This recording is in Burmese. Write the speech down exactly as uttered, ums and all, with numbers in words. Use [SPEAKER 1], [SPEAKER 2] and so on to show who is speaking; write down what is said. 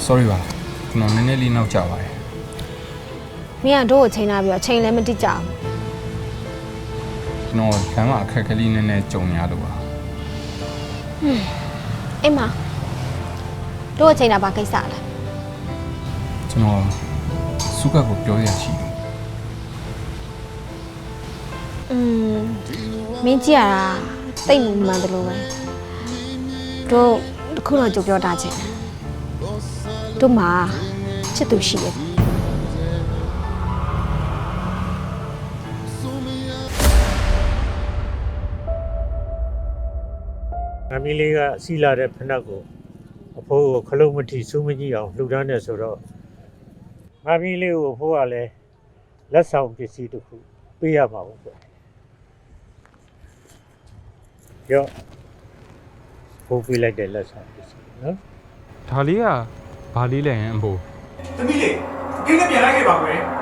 [SPEAKER 1] sorry ပါကျွန်တော်နည်းနည်းလေးနောက်ကျပါတယ်
[SPEAKER 2] မင်းကတို့ကိုချိန်လာပြီးတော့ချိန်လည်းမတိကြဘူး
[SPEAKER 1] ကျွန်တော်လမ်းမှာအခက်အခဲလေးနည်းနည်းကြုံရလို့ပါ
[SPEAKER 2] အေးမတို့ကိုချိန်တာဘာကိစ္စလဲ
[SPEAKER 1] ကျွန်တော်စုကကိုပြောရချင်
[SPEAKER 2] อืมမင်းကြည့်ရတာတိတ်မမှန်တယ်လို့ပဲတို့တခုတော့ကြိုပြောတာချင်းတို့မှာချစ်သူရှိတယ်
[SPEAKER 3] အမီလေးကစီလာတဲ့ဖနက်ကိုအဖိုးကိုခလုံးမထီစူးမကြီးအောင်လှူဒန်းနေဆိုတော့ငါမီလေးကိုအဖိုးကလည်းလက်ဆောင်ပစ္စည်းတစ်ခုပေးရမှာပေါ့ကွယ်ရောဖိုးပေးလိုက်တဲ့လက်ဆောင်ပစ္စည်းနော်
[SPEAKER 1] ဒါလေးကဘာလေးလဲဟင်အဖိုး
[SPEAKER 4] သမီးလေးခင်းနဲ့ပြန်လိုက်ခဲ့ပါကွယ်